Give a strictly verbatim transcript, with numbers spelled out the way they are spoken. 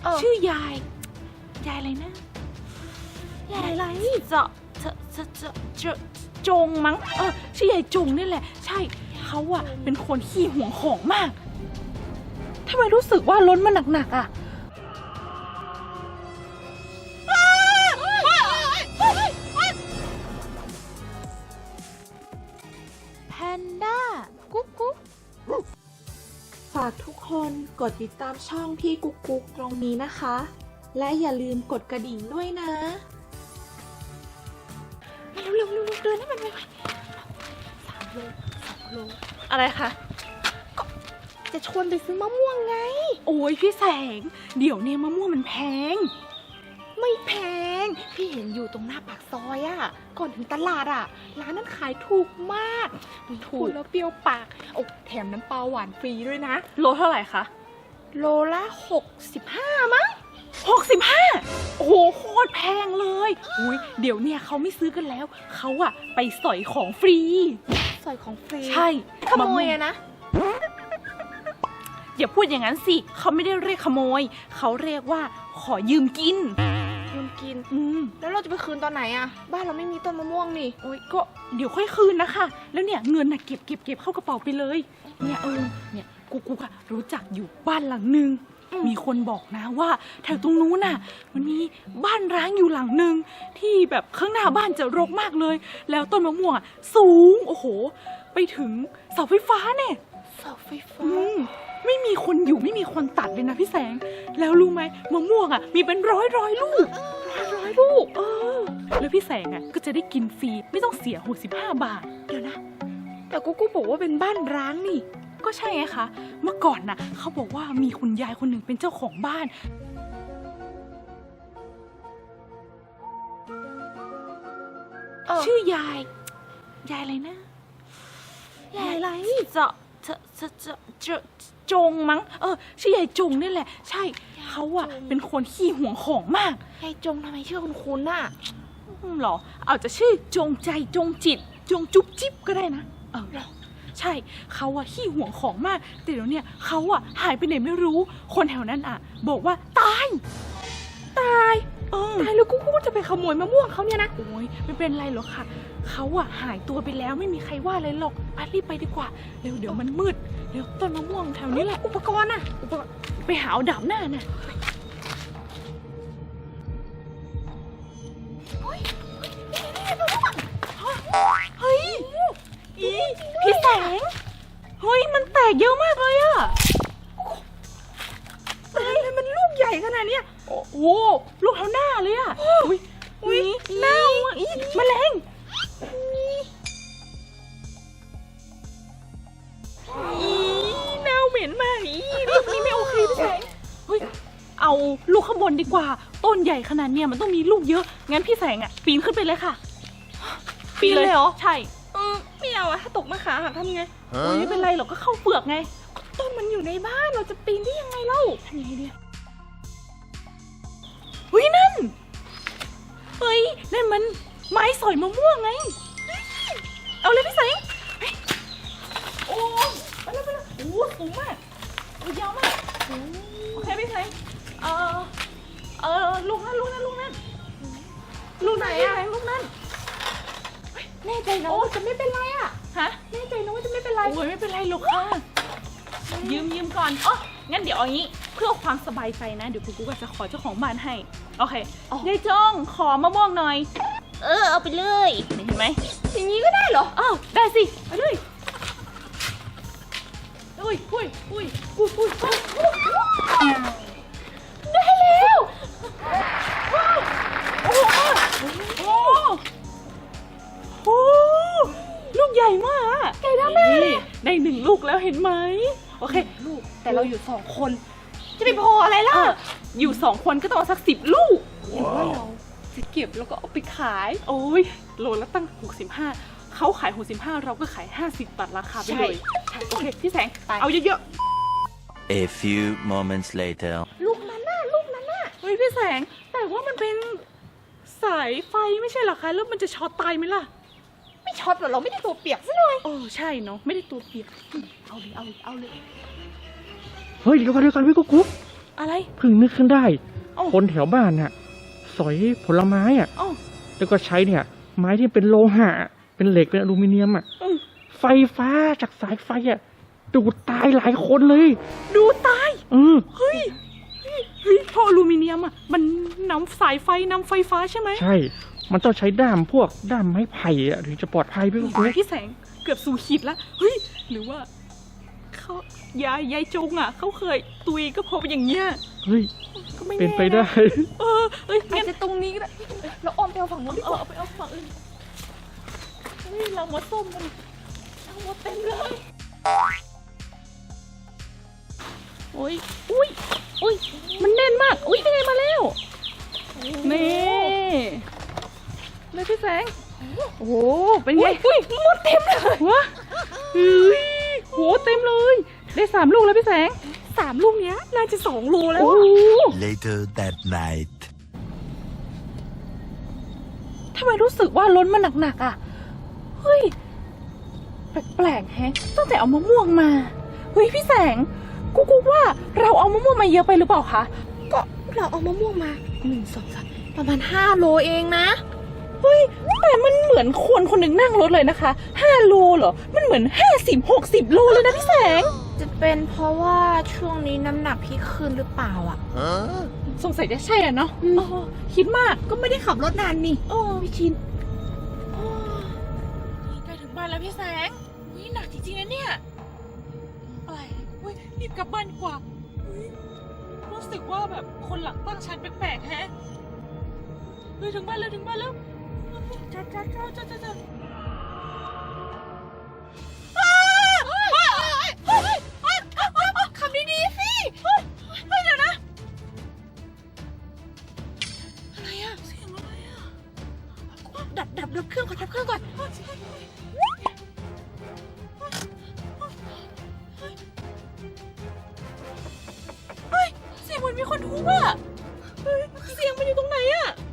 ชื่อยายยายอะไรนะยายอะไรจะจะจะจะจะจงมั้งเออชื่อยายจงนี่แหละใช่เขาอะเป็นคนขี้หวงของมากทำไมรู้สึกว่าล้นมันหนักๆอะแพนด้ากุ๊กกุ๊กฝากทุกคนกดติดตามช่องพี่กุ๊กกุ๊กตรงนี้นะคะและอย่าลืมกดกระดิ่งด้วยนะเร็วเร็วเร็วเดินให้มันไวๆสามโลสองโลอะไรคะก็จะชวนไปซื้อมะม่วงไงโอ้ยพี่แสงเดี๋ยวนี้มะม่วงมันแพงไม่แพงพี่เห็นอยู่ตรงหน้าปากซอยอะก่อนถึงตลาดอะร้านนั้นขายถูกมากถูกแล้วเปรี้ยวปากโอ้แถมน้ำปลาหวานฟรีด้วยนะโลเท่าไหร่คะโลละหกสิบห้ามั้งหกสิบห้าโอ้โหโคตรแพงเลยอุ้ยเดี๋ยวเนี่ยเขาไม่ซื้อกันแล้วเขาอะไปสอยของฟรีสอยของฟรีใช่ขโมยอะนะอย่าพูดอย่างนั้นสิเขาไม่ได้เรียกขโมยเขาเรียกว่าขอยืมกินยืมกินอืมแล้วเราจะไปคืนตอนไหนอะบ้านเราไม่มีต้นมะม่วงนี่โอ้ยก็เดี๋ยวค่อยคืนนะคะแล้วเนี่ยเงินน่ะเก็บเก็บเก็บเข้ากระเป๋าไปเลยเนี่ยเออเนี่ยกูกูอะรู้จักอยู่บ้านหลังนึงมีคนบอกนะว่าแถวตรงนู้นน่ะมันมีบ้านร้างอยู่หลังนึงที่แบบข้างหน้าบ้านจะรกมากเลยแล้วต้นมะม่วงสูงโอ้โหไปถึงเสาไฟฟ้าเนี่ยเสาไฟฟ้าไม่มีคนอยู่ไม่มีคนตัดเลยนะพี่แสงแล้วรู้ไหมมะม่วงอ่ะมีเป็นร้อยร้อยลูกร้อยร้อยลูกเออแล้วพี่แสงอ่ะก็จะได้กินฟรีไม่ต้องเสียหกสิบห้าบาทเดี๋ยวนะแต่กูกูบอกว่าเป็นบ้านร้างนี่ก็ใช่ไงคะเมื่อก่อนน่ะเขาบอกว่ามีคุณยายคนหนึ่งเป็นเจ้าของบ้านชื่อยายยายอะไรนะยายอะไรจะจะจะจะจะจงมั้งเออชื่อยายจงนี่แหละใช่เขาอะเป็นคนขี้หวงของมากยายจงทำไมชื่อคุณคุณน่ะหรอเอาจะชื่อจงใจจงจิตจงจุ๊บจิ๊บก็ได้นะเออใช่เขาอะขี้หวงของมากแต่เดี๋ยวนี้เขาอะหายไปไหนไม่รู้คนแถวนั้นอะบอกว่าตายตายเออตายแล้วกูกูจะไปขโมยมะม่วงเขาเนี่ยนะโอ้ยไม่เป็นไรหรอกค่ะเขาอะหายตัวไปแล้วไม่มีใครว่าอะไรหรอกไปรีบไปดีกว่าเร็วเดี๋ยวมันมืดเดี๋ยวต้นมะม่วงแถวนี้แหละอุปกรณ์อะอุปกรณ์ไปหาเอาดาบหน้าน่ะเฮ้ยอีพี่แสงเฮ้ยมันแตกเยอะมากเลยอะเฮ้ยมันลูกใหญ่ขนาดนี้โอ้โหลูกเท่าหน้าเลยอะอุ้ยอุ้ยเน่าอ่ะอีแมลงอีเน่าเหม็นมากอีลูกนี้ไม่โอเคพี่แสงเฮ้ยเอาลูกข้างบนดีกว่าต้นใหญ่ขนาดเนี้ยมันต้องมีลูกเยอะงั้นพี่แสงอะปีนขึ้นไปเลยค่ะปีนเลยเหรอใช่เออไม่เอาอะถ้าตกมาขาหักทำไงโอ้ยไม่เป็นไรหรอกก็เข้าเปลือกไงต้นมันอยู่ในบ้านเราจะปีนได้ยังไงเล่าทำยังไงดีเฮ้ยนั่นเฮ้ยนั่นมันไม้สอยมะม่วงไงเอาเลยพี่แสงโอ้ไปเลยไปเลยโอ้สูงมากโอ้ยาวมากโอเคพี่แสงเออเออลูกนั่นลูกนั่นลูกนั่นลูกไหนอะลูกนั่นแน่ใจนะว่าจะไม่เป็นไรอะฮะแน่ใจนะว่าจะไม่เป็นไรโอ้ยไม่เป็นไรหรอกค่ะยืมยืมก่อนอ๋องั้นเดี๋ยวเอางี้เพื่อความสบายใจนะเดี๋ยวกูกูก็จะขอเจ้าของบ้านให้โอเคยายจงขอมะม่วงหน่อยเออเอาไปเลยเห็นไหมอย่างนี้ก็ได้เหรออ้าวได้สิไปเลยอุ้ยอุ้ยอุ้ยอุ้ยอุ้ยได้แล้วโอ้โหโอ้ลูกใหญ่มากใหญ่มากเลยได้หนึ่งลูกแล้วเห็นไหมโอเคลูกแต่เราอยู่สองคนจะไปพออะไรล่ะอยู่สองคนก็ต้องสักสิบลูกเห็นว่าเราจะเก็บแล้วก็เอาไปขายโอ้ยโลละตั้งหกสิบห้าเขาขายหกสิบห้าเราก็ขายห้าสิบตัดราคาไปเลยโอเคพี่แสงเอาเยอะๆ A few moments later ลูกนั้นน่ะลูกนั้นน่ะเฮ้ยพี่แสงแต่ว่ามันเป็นสายไฟไม่ใช่หรอคะแล้วมันจะช็อตตายไหมล่ะไม่ช็อตหรอเราไม่ได้ตัวเปียกซะหน่อยโอ้ใช่เนาะไม่ได้ตัวเปียกเอาเลยเอาเลยเอาเลยเฮ้ยเดี๋ยวก่อนเดี๋ยวก่อนพี่กุ๊กกุ๊กอะไรเพิ่งนึกขึ้นได้เอ้าคนแถวบ้านน่ะ สอยผลไม้อ่ะอ๋อแล้วก็ใช้เนี่ย ไม้ที่เป็นโลหะ เป็นเหล็ก เป็นอลูมิเนียมอ่ะอืมไฟฟ้าจากสายไฟอ่ะ ดูดตายหลายคนเลยดูตายเออเฮ้ย เฮ้ยเพราะอลูมิเนียมอ่ะ มันนำสายไฟนำไฟฟ้าใช่ไหมใช่ มันต้องใช้ด้ามพวกด้ามไม้ไผ่อ่ะถึงจะปลอดภัยพี่กุ๊กพี่แสงเกือบสู่ขีดแล้ว เฮ้ย หรือว่าเขายายยายจงอ่ะ เขาเคยตุยก็เพราะอย่างเงี้ยเฮ้ยก็ไม่เป็นแน่ไปได้เออเอ้ยอางั้จนจะตรงนี้ก็ได้เราอ้อมไปเอาฝั่งนู้นดีเอก อว่าเอาไปเอาฝั่งอื่นเฮ้ยเรามาส้มกันเอาหมดเต็มเลยโอ้ยอุ้ยอุ้ยมันแน่นมาก อุ้ยยังไงมาแล้วนี่เลยพี่แสงโอ้โหเป็นไงอุ้ยหมดเต็มเลยวะเฮ้ยโหเต็มเลย ได้สามลูกแล้วพี่แสงสามลูกเนี้ยน่าจะสองโลแล้วโอ้อะ Later that night. ทำไมรู้สึกว่าล้นมันหนักๆอ่ะ เฮ้ย แปลกๆแฮะ ตั้งแต่เอามะม่วงมา เฮ้ยพี่แสง กูกูว่าเราเอามะม่วงมาเยอะไปหรือเปล่าคะก็เราเอามะม่วงมาหนึ่งสองสามประมาณห้าโลเองนะเฮ้ย แต่มันเหมือนคนคนหนึ่งนั่งรถเลยนะคะห้าโลเหรอ มันเหมือนห้าสิบหกสิบโลเลยนะพี่แสงจะเป็นเพราะว่าช่วงนี้น้ำหนักพี่ขึ้นหรือเปล่าอ่ะ Huh? สงสัยจะใช่อ่ะเนาะอ๋อคิดมากก็ไม่ได้ขับรถนานนี่โอ้พี่ชินโอ้ใกล้ถึงบ้านแล้วพี่แสงอุ้ยหนักจริงๆนะเนี่ยอะไรอุ้ยรีบกลับบ้านดีกว่าอุ้ยรู้สึกว่าแบบคนหลังตั้งชันแปลกๆแฮะเฮ้ยถึงบ้านแล้วถึงบ้านแล้วจ้าจ้าจ้าจ้าจ้าจ้าขับดีๆสิเฮ้ยเฮ้ยเดี๋ยวนะ อะไรอะเสียงอะไรอะดับดับดับเครื่องก่อนดับเครื่องก่อนเฮ้ยเสียงเหมือนมีคนทุบอะเฮ้ยเสียงมันอยู่ตรงไหนอะ